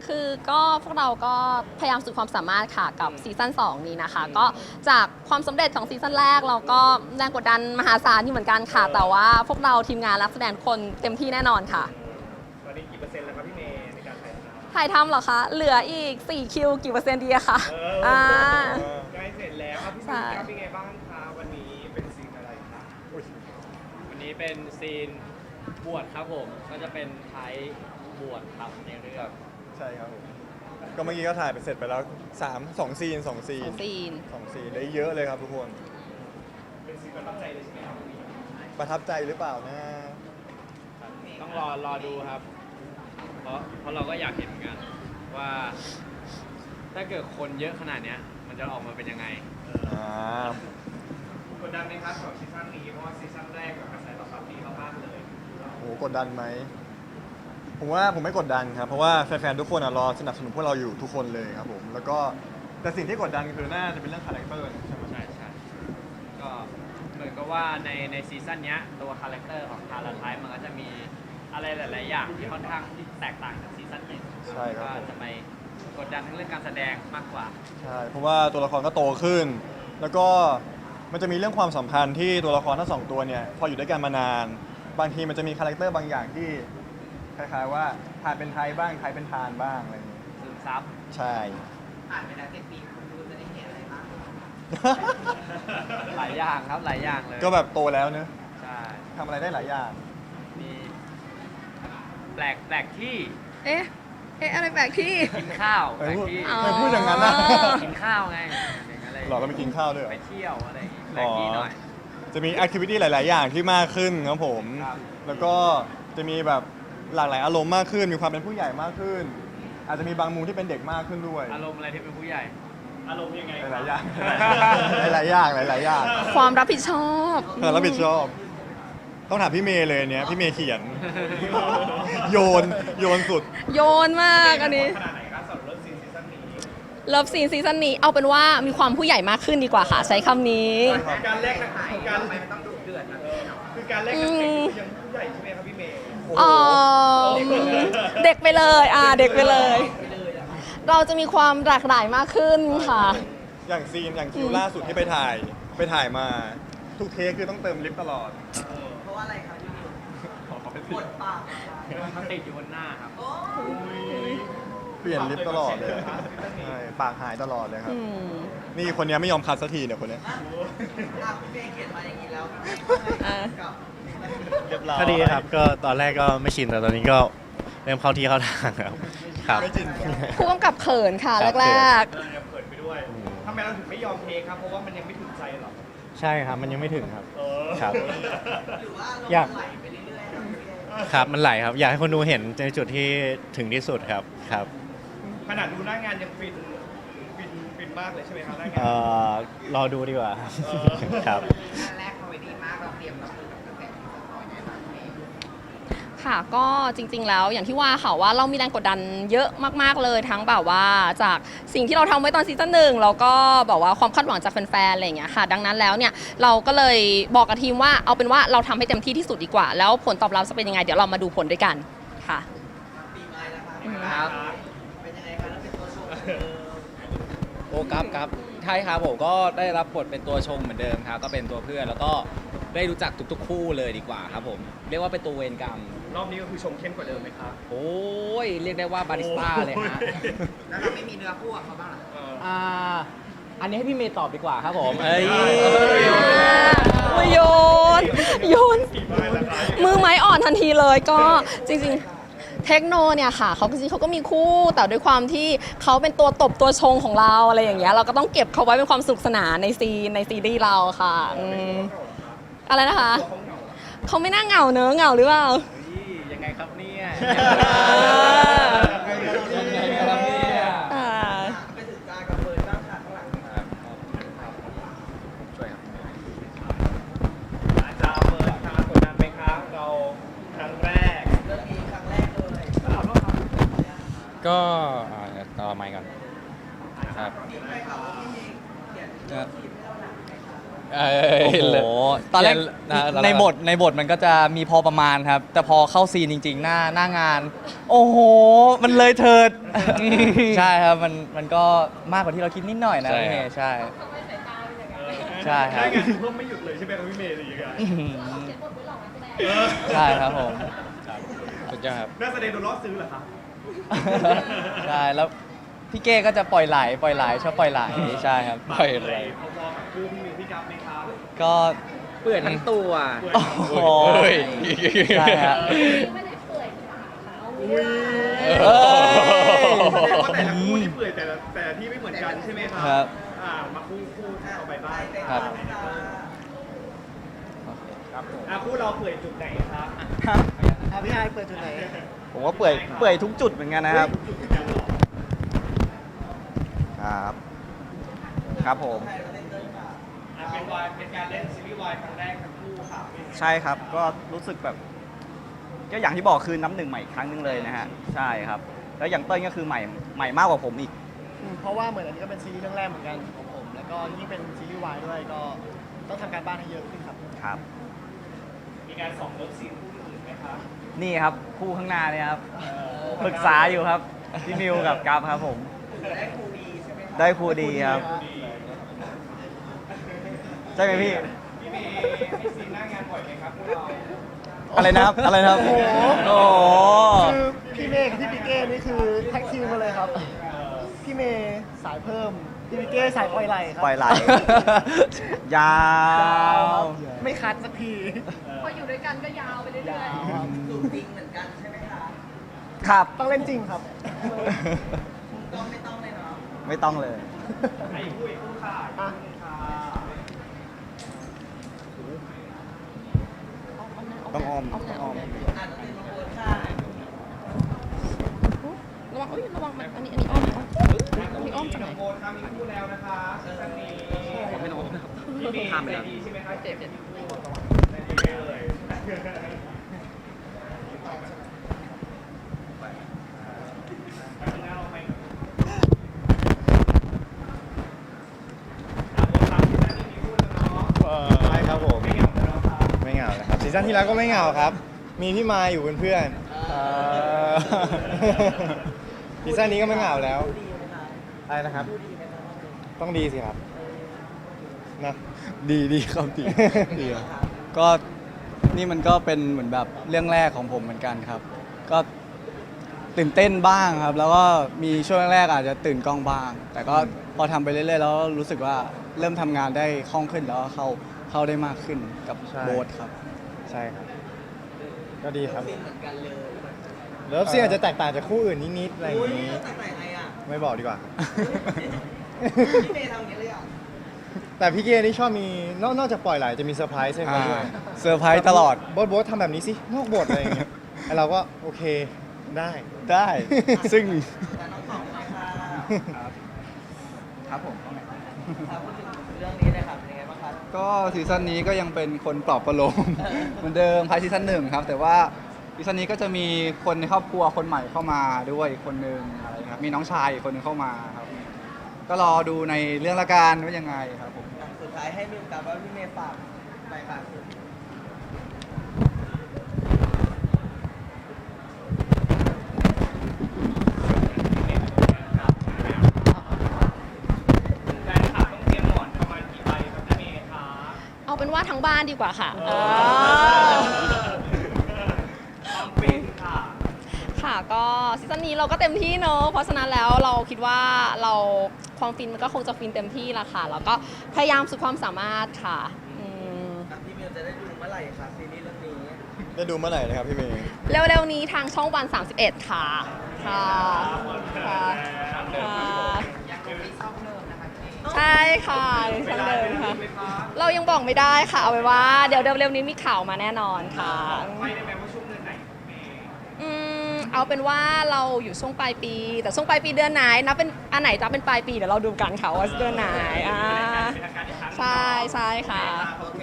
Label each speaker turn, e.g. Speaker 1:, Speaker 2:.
Speaker 1: คือก็พวกเราก็พยายามสุดความสามารถค่ะกับซีซั่น2นี้นะคะก็จากความสำเร็จของซีซั่นแรกเราก็แรงกดดันมหาศาลอยู่เหมือนกันค่ะแต่ว่าพวกเราทีมงานนักแสดงคนเต็มที่แน่นอนค่ะ
Speaker 2: ตอนนี้กี่เปอร์เซ็นต์แล้วครับพี่เมย์ในการถ่ายทำ
Speaker 1: ถ่ายทำเหรอคะเหลืออีก4คิวกี่เปอร์เซ็นต์ดีอะคะ
Speaker 2: ใกล้เสร็จแล้วครับพี่เมย์ครับเป็นไงบ้างคะวันนี้เป็นซีนอะไรครับ
Speaker 3: วันนี้เป็นซีนบวชครับผมก็จะเป็นไทยบวชครับในเรื่อง
Speaker 4: ใช่ครับผมก็เมื่อกี้ก็ถ่ายไปเสร็จไปแล้ว2 ซีนได้เยอะเลยครับทุกคน
Speaker 2: เป็นซีนประทับใจเลยใช่ไหมครับ
Speaker 4: ประทับใจหรือเปล่านะ
Speaker 3: ต้องรอดูครับ เพราะเราก็อยากเห็นเหมือนกันว่า ถ้าเกิดคนเยอะขนาดเนี้ยมันจะออกมาเป็นยังไง
Speaker 2: กดดันไหมครับสำหรับซีซั่นนี้เพราะว่าซีซั่นแรกกับกระแสตอบรับดีมากๆเลย
Speaker 4: โอ้กดดันไหมผมว่าผมไม่กดดันครับเพราะว่าแฟนๆทุกคนรอสนับสนุนพวกเราอยู่ทุกคนเลยครับผมแล้วก็แต่สิ่งที่กดดันคือน่าจะเป็นเรื่องคาแรคเตอร์ใช่ไหม
Speaker 3: ใช่ก็เหมือนกับว่าในซีซั่นเนี้ยตัวคาแรคเตอร์ของทาราไทป์มันก็จะมีอะไรหลายๆอย่างที่ค่อนข้างแตกต่างจากซีซั่นหนึ่ง
Speaker 4: ใช่ครับ
Speaker 3: ก็จะไปกดดันทั้งเรื่องการแสดงมากกว่า
Speaker 4: ใช่เพราะว่าตัวละครก็โตขึ้น แล้วก็มันจะมีเรื่องความสัมพันธ์ที่ตัวละครทั้งสองตัวเนี่ยพออยู่ด้วยกันมานานบางทีมันจะมีคาแรคเตอร์บางอย่างที่คล้ายๆว่าทานเป็นไทยบ้างไทยเป็นทานบ้างอะไรอย่างเงี้ย
Speaker 3: ซึมซับ
Speaker 4: ใช่
Speaker 5: ผ่านไปแล้ว7 ปีคุณดูจะได้เห็นอะไรบ้าง
Speaker 3: หลายอย่างครับหลายอย่างเลย
Speaker 4: ก็แบบโตแล้วเนอะ
Speaker 3: ใช่
Speaker 4: ทำอะไรได้หลายอย่าง
Speaker 3: มีแปลกที่
Speaker 1: เอ๊ะอะไรแปลกที่
Speaker 3: กินข้าวแปลกที่
Speaker 4: ไม่พูดอย่างนั้นนะ
Speaker 3: กินข้าวไง
Speaker 4: หรอก็ไปกินข้าวด้วย
Speaker 3: ไปเที่ยวอะไรอย่างงี้แปลกที่หน่อย
Speaker 4: จะมีแอคทิวิตี้หลายๆอย่างที่มากขึ้นครับผมแล้วก็จะมีแบบหลากหลายอารมณ์มากขึ้นมีความเป็นผู้ใหญ่มากขึ้นอาจจะมีบางมุมที่เป็นเด็กมากขึ้นด้วย
Speaker 3: อารมณ์อะไรที่เป็นผู้ใหญ่
Speaker 2: อารมณ์ยังไง
Speaker 4: หลายอย่างหลายอย่าง
Speaker 1: ความรับผิดชอบ
Speaker 4: รับผิดชอบต้องถามพี่เมย์เลยเนี้ยพี่เมย์เขียนโยนสุด
Speaker 1: โยนมากอันนี้
Speaker 2: ขนาดไหนครับสำหรับเลิฟซีนซีซั่นนี้
Speaker 1: เลิฟซีนซีซั่นนี้เอาเป็นว่ามีความผู้ใหญ่มากขึ้นดีกว่าค่ะใช้คำนี้
Speaker 2: การแรกนะการ
Speaker 5: ไปมันต้องดุเดือดนะ
Speaker 2: คือการแรกกับเด็กยังผู้ใหญ่ใช่ไหมครับพี่เมย์
Speaker 1: เด็กไปเลยเด็กไปเลย เราจะมีความหลากหลายมากขึ้นค่ะ
Speaker 4: อย่างคิวล่าสุดที่ไปถ่ายมาทุกเทคคือต้องเติมลิฟต์ตลอด
Speaker 5: เพราะว่าอะไรครับพี่นิวปวดปาก
Speaker 3: มันติดอยู่บนหน้าครับ
Speaker 4: เปลี่ยนลิฟต์ตลอดเลยใช่ปากหายตลอดเลยครับนี่คนนี้ไม่ยอมคัดสักทีเนี่ยคนนี้
Speaker 5: พี่เมย์เขียนมาอย่างนี้แล้ว
Speaker 6: ก็ดีครับก็ตอนแรกก็ไม่ชินแต่ตอนนี้ก็เริ่มเข้าที่เข้าทางครับ
Speaker 1: ผู้กำกับเขินค่ะแรก
Speaker 2: ๆเขินไปด้วยทำไมเราถึงไม่ยอมเทครับเพราะว่ามันยังไม่ถึงใจหรอ
Speaker 6: ใช่ครับมันยังไม่ถึงครับครับ
Speaker 5: หรือว่าเราไหลไปเรื่อยๆ
Speaker 6: ครับมันไหลครับอยากให้คนดูเห็นในจุดที่ถึงที่สุดครับ
Speaker 2: ขนาดดูหน้างานยังฟินมากเลยใช่ไหมครับหน้างาน
Speaker 6: รอดูดีกว่าครับ
Speaker 5: แรกคอมเมดี้มากเราเตรียมรับมือกับกระแสที่จะต่อยังไงบ้าง
Speaker 1: ค่ะก็จริงๆแล้วอย่างที่ว่าค่ะว่าเรามีแรงกดดันเยอะมากๆเลยทั้งแบบว่าจากสิ่งที่เราทำไว้ตอนซีซั่น1แล้วก็แบบว่าความคาดหวังจากแฟนๆอะไรอย่างเงี้ยค่ะดังนั้นแล้วเนี่ยเราก็เลยบอกกับทีมว่าเอาเป็นว่าเราทำให้เต็มที่ที่สุดดีกว่าแล้วผลตอบรับจะเป็นยังไงเดี๋ยวเรามาดูผลด้วยกันค่ะ
Speaker 5: ปีใหม่แล้วครับเป็นยังไงคะแล้วเป็นตัวชง
Speaker 7: โอ้ครับใช่ครับผมก็ได้รับบทเป็นตัวชงเหมือนเดิมครับก็เป็นตัวเพื่อนแล้วก็ได้รู้จักทุกๆคู่เลยดีกว่าครับผมเรียกว่าเป็นตัวเวรกรรม
Speaker 2: รอบนี้ก็คือชงเข้มกว่าเดิมไหมครับ
Speaker 7: โอ้ยเรียกได้ว่าบาริสต้าเลยฮะ
Speaker 5: แล้วเราไม่มีเนื้อคู่กับเขาบ้างหรอ
Speaker 7: อันนี้ให้พี่เมย์ตอบดีกว่าครับผม
Speaker 1: โยนมือไม้อ่อนทันทีเลยก็จริงๆเทคโนเนี่ยค่ะเขาจริงเขาก็มีคู่แต่ด้วยความที่เขาเป็นตัวตบตัวชงของเราอะไรอย่างเงี้ยเราก็ต้องเก็บเขาไว้เป็นความสนุกสนานในซีรีส์เราค่ะอะไรนะคะเขาไม่น่าเหงาเนอะเหงาหรือเปล่า
Speaker 3: ยังไงครับเนี่ย
Speaker 5: ไปถึงตากับเบิร์นบ้างค่ะข้างหลัง
Speaker 7: ช่วยครับ
Speaker 2: อาจารย์เบิร์ดครับกดดันไหมครับเราครั้งแรก
Speaker 5: เรื่องนี้ครั้งแรกเลย
Speaker 7: ก็ต่อไมค์ก่อนครับโอ้โหตอนแรกในบทมันก็จะมีพอประมาณครับ แต่พอเข้าซีนจริงๆ หน้างาน โอ้โห มันเลยเถิด ใช่ครับมันก็มากกว่าที่เราคิดนิดหน่อยนะพี่เมย์ใช่ใช่ครับ
Speaker 2: ได้งานเพิ่มไม่หยุดเลยใช่ไหมครับพี่เมย์อะไรอย่างเงี้ย
Speaker 7: ใช่ครับผมสุดยอดครับ
Speaker 2: นักแสดงโดนล่อซื้อเหรอครับ
Speaker 7: ใช่แล้วพี่เก้ก็จะปล่อยไหลชอบปล่อยไหลใช่ครับปล่อยไหล
Speaker 2: พอๆกับคู่พี่มิวพี่กัฟไหมครับ
Speaker 7: ก็
Speaker 3: เปื่อยทั้งตัว
Speaker 7: โอ้โหใช่ฮะ
Speaker 2: อุ้ย
Speaker 7: เอ้ย
Speaker 2: แสดงว่าแต่ละคู่ที่เปื่อยแต่ละที่ไม่เหมือนกันใช่ไหมครั
Speaker 7: ครับ
Speaker 2: มาคู่ต่อไปบ้าง
Speaker 7: ครับ
Speaker 2: คู่เราเปื่อยจุดไหนครับ
Speaker 5: พี่ไอเปิดจุดไหน ผมว่าเปื่อยทุกจุดเหมือนกันนะครับ
Speaker 2: จุดเหมือนกันเหรอ
Speaker 5: ครับ ครับผม
Speaker 2: เป็นการเล่นซีรีส์วายครั้งแรกทั้งคู่ค่ะ
Speaker 5: ใช่ครับ ก็รู้สึกแบบ ก็อย่างที่บอกคือน้ำหนึ่งใหม่อีกครั้งหนึงเลยนะฮะ ใช่ครับ แล้วอย่างเต้ยก็คือใหม่มากกว่าผมอีก
Speaker 8: เพราะว่าเหมือนอันนี้ก็เป็นซีรีส์เรื่องแรกเหมือนกันของผม แล้วก็ยิ่งเป็นซีรีส์วายด้วยก็ต้องทำการบ้านให้เยอะขึ้นครับ
Speaker 5: ครับ
Speaker 2: มีการส่องเลิฟซีนคู่อื่นไหมคะ
Speaker 5: นี่ครับคู่ข้างหน้าเนี่ยครับปรึกษาอยู่ครับพี่มิวกับกัฟครับผม ได้ครูดีใช่ไหมได้ครูดีครับ ใช่ไหมพี่
Speaker 2: พี่เมย์มีซีนหน้างานบ่อยไหมครับพวกเรา
Speaker 5: อะไรนะครับ อะไรนะครับ
Speaker 8: โอ้โห
Speaker 5: โอ้โห
Speaker 8: คือพี่เมย์กับพี่ปิเก้นี่คือแท็กทีมมาเลยครับ พี่เมย์สายเพิ่ม พี่ปิเก้สายปล่อยไหลครับ
Speaker 5: ปล่อยไหล ยา
Speaker 8: ยาว
Speaker 5: ว
Speaker 8: ครับไม่คัดสักที
Speaker 1: พออยู่ด้วยกันก็ยาวไปเรื่อย
Speaker 8: ยาวครับ
Speaker 5: ครับ
Speaker 8: ต้องเล่นจริงครับ
Speaker 5: ไม่ต้องเลย
Speaker 2: ไอ้คู่ค่ะ
Speaker 8: อ่ะ
Speaker 5: ต้องอ้อม
Speaker 1: ๆ
Speaker 5: ต้องอ้อม
Speaker 1: ระวังระวังมันอันนี้อ้อมมีอ้อมจากไหน
Speaker 2: โบนค่ะมีคู่แล้วนะคะซีซั่นนี้ผมไม่รู้พี่เมย์ใจดีใช่ไหมคะเจ็บใจดีเลย
Speaker 4: ใช่ครับผม ไม่เหงานะครับซีซั่นที่แล้วก็ไม่เหงาครับ มีพี่มายอยู่เป็นเพื่อนซีซั่นนี้ก็ไม่เหงาแล้วอะไรนะครับ ต้องดีสิครับนะดีครับดีครับ
Speaker 9: ก็นี่มันก็เป็นเหมือนแบบเรื่องแรกของผมเหมือนกันครับ ก็ตื่นเต้นบ้างครับ แล้วก็มีช่วงแรกๆอาจจะตื่นกล้องบ้าง แต่ก็พอทำไปเรื่อยๆแล้วรู้สึกว่าเริ่มทำงานได้คล่องขึ้นแล้วก็เข้าได้มากขึ้นกับ
Speaker 4: ใช่
Speaker 9: โบ๊ทครับ
Speaker 4: ใช่ครับ ก็ดีครับเลิฟซีนอาจจะแตกต่างจากคู่อื่นนิดๆอะไรอย่างนี้ไม่บอกดีกว่า
Speaker 5: พี่เมย์ทำอย่างนี้เลยอ่ะ
Speaker 4: แต่พี่เกนี่ชอบมีนอกจากปล่อยไหลจะมีเซอร์ไพรส์ให้เขาด้วย
Speaker 9: เซอร์ไพรส์ตลอด
Speaker 4: โบ๊ททำแบบนี้สินอกบทอะไรอย่างเงี้ยไอ้เราก็โอเคได้
Speaker 9: ได้ ซึ่ง
Speaker 5: ครับผมครับพูดถึงเรื่องนี้เลยครับเป็นยังไงบ้างครับ
Speaker 9: ก็ซีซั่นนี้ก็ยังเป็นคนปลอบประโลม เหมือนเดิมภายซีซั่นหนึ่งครับ แต่ว่าซีซั่นนี้ก็จะมีคนในครอบครัวคนใหม่เข้ามาด้วยอีกคนนึงอะไรครับมีน้องชายอีกคนนึงเข้ามาครับ ก็รอดูในเรื่องละกันว่ายังไงครับผม
Speaker 5: สุดท้ายให้มิวกับว่าพี่เมย์ฝากไปค่ะ
Speaker 2: แฟนคลับต้องเตรียมหมอนประมาณกี่ใบครับพี่เมย์คะ
Speaker 1: เอาเป็นว่าทั้งบ้านดีกว่าค่ะ
Speaker 2: ความฟินค่ะ
Speaker 1: ค่ะก็ซีซั่นนี้เราก็เต็มที่เนอะเพราะฉะนั้นแล้วเราคิดว่าเราความฟินมันก็คงจะฟินเต็มที่ละค่ะ แล้วก็พยายามสุดความสามารถค่ะ
Speaker 5: พี่มิวจะได้ดูเมื่อไหร่ครับซีรีส์เรื่องนี้
Speaker 4: ได้ดูเมื่อไหร่นะครับพี่เมย์
Speaker 1: เร็วๆนี้ทางช่องวัน 31 ค่ะ ค่ะค่ะใช่ค่ะช่องเดิมค่ะ เรายังบอกไม่ได้ค่ะ เอาไว้ว่าเดี๋ยวเร็วๆนี้มีข่าวมาแน่นอนค่ะ
Speaker 2: ไม่ได้แปลว่าช่วงเดือนไหนครับเมย์
Speaker 1: เอาเป็นว่าเราอยู่ช่วงปลายปี แต่ช่วงปลายปีเดือนไหนนับเป็นอันไหนจะเป็นปลายปีเดี๋ยวเราดูกันค่ะว่าเดือนไหนใช่ใช่ค่ะ
Speaker 5: โอเค